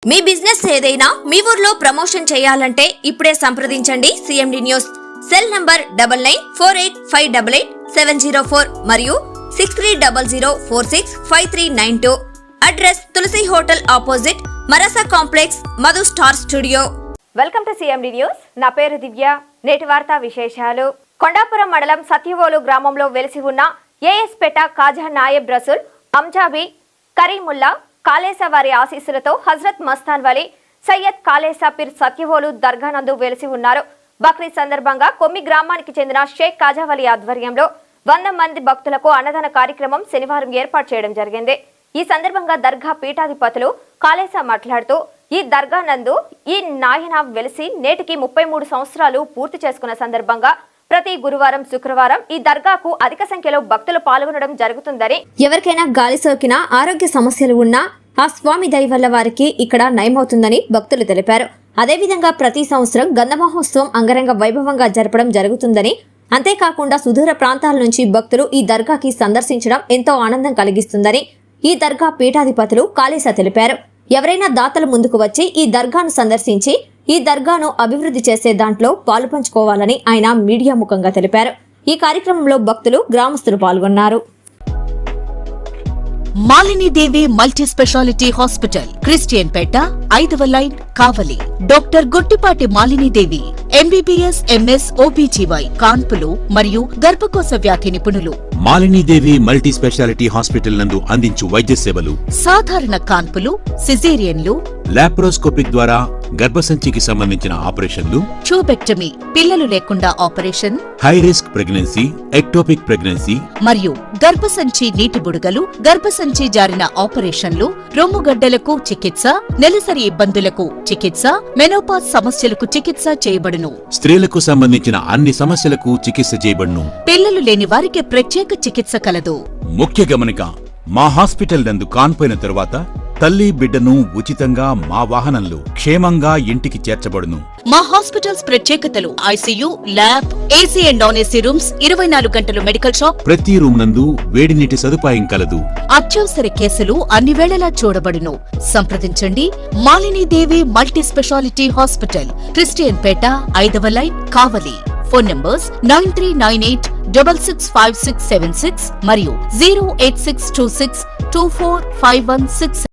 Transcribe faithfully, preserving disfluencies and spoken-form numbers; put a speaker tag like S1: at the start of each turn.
S1: మీ business ఏదైనా మీ ఊర్లో promotion చేయాలంటే ఇప్పుడే సంప్రదించండి CMD news. Cell number double nine four eight five double eight seven zero four మరియు six three double zero four six five three nine two. Address Tulasi hotel opposite Marasa complex, Madhu star studio.
S2: Welcome to CMD news. నా పేరు దివ్య. నేటి వార్తా విశేషాలు. కొండాపురం మండలం సత్యవోలు గ్రామంలో వెలిసి ఉన్న ఏఎస్పేట కాజా నాయబ్ రసూల్ అంజాబీ కరీముల్లా కాలేసా వారి ఆశీస్సులతో హజరత్ మస్తాన్ వలి సయ్యద్ కాలేసా పీర్ సత్యవోలు దర్గా నందు వెలిసి ఉన్నారు. బక్రీద్ సందర్భంగా కొమ్మి గ్రామానికి చెందిన షేక్ కాజావలి ఆధ్వర్యంలో వంద మంది భక్తులకు అన్నదాన కార్యక్రమం శనివారం ఏర్పాటు చేయడం జరిగింది. ఈ సందర్భంగా దర్గా పీఠాధిపతులు కాలేసా మాట్లాడుతూ, ఈ దర్గా నందు ఈ నాయన వెలిసి నేటికి ముప్పై మూడు సంవత్సరాలు పూర్తి చేసుకున్న సందర్భంగా ప్రతి గురువారం, శుక్రవారం ఈ దర్గాకు అధిక సంఖ్యలో భక్తులు పాల్గొనడం జరుగుతుందని, ఎవరికైనా గాలి సోకినా, ఆరోగ్య సమస్యలు ఉన్నా ఆ స్వామి దయ వల్ల వారికి ఇక్కడ నయమవుతుందని భక్తులు తెలిపారు. అదేవిధంగా ప్రతి సంవత్సరం గంధ మహోత్సవం అంగరంగ వైభవంగా జరపడం జరుగుతుందని, అంతేకాకుండా సుదూర ప్రాంతాల నుంచి భక్తులు ఈ దర్గాకి సందర్శించడం ఎంతో ఆనందం కలిగిస్తుందని ఈ దర్గా పీఠాధిపతులు కాళేసా తెలిపారు. ఎవరైనా దాతలు ముందుకు వచ్చి ఈ దర్గాను సందర్శించి ఈ దర్గాను అభివృద్ధి చేసే దాంట్లో పాలు పంచుకోవాలని ఆయన మీడియా ముఖంగా తెలిపారు. ఈ కార్యక్రమంలో భక్తులు, గ్రామస్తులు పాల్గొన్నారు.
S3: Malinidevi multi speciality hospital, Christian Peta, ఐదవ line, Kavali. Doctor Guttipati Malinidevi MBBS, MS, OBGY, కాన్పులు మరియు గర్భకోశ వ్యాధి నిపుణులు.
S4: మాలినీదేవి మల్టీ స్పెషాలిటీ హాస్పిటల్ నందు అందించు వైద్య సేవలు:
S3: సాధారణ కాన్పులు, సిజేరియన్లు,
S4: లాప్రోస్కోపిక్ ద్వారా గర్భసంచికి సంబంధించిన ఆపరేషన్లు,
S3: ట్యూబెక్టమీ, పిల్లలు లేకుండా operation,
S4: high risk pregnancy, ectopic pregnancy
S3: మరియు గర్భసంచి నీటి బుడగలు, గర్భసంచి జారిన ఆపరేషన్లు, రొమ్ముగడ్డలకు చికిత్స, నెలసరి ఇబ్బందులకు చికిత్స, మెనోపాజ్ సమస్యలకు చికిత్స చేయబడును.
S4: స్త్రీలకు సంబంధించిన అన్ని సమస్యలకు చికిత్స చేయబడును.
S3: పిల్లలు లేని వారికి ప్రత్యేక చికిత్స కలదు.
S4: ముఖ్య గమనిక: మా హాస్పిటల్ నందు కాన్పోయిన తరువాత తల్లి, బిడ్డను ఉచితంగా మా వాహనంలో క్షేమంగా ఇంటికి చేర్చబడును.
S3: మా హాస్పిటల్స్ ప్రత్యేకతలు: ICU, lab, AC and non AC rooms, ఇరవై నాలుగు గంటలు మెడికల్ షాప్,
S4: ప్రతి రూమ్ నందు వేడి నీటి సదుపాయం కలదు.
S3: అత్యవసర కేసులు అన్ని వేళలా చూడబడును. సంప్రదించండి. Malinidevi multi speciality hospital, Christian Peta, ఐదవ line, Kavali. Phone numbers nine three nine eight double six five six seven six మరియు zero eight six two six two four five one six.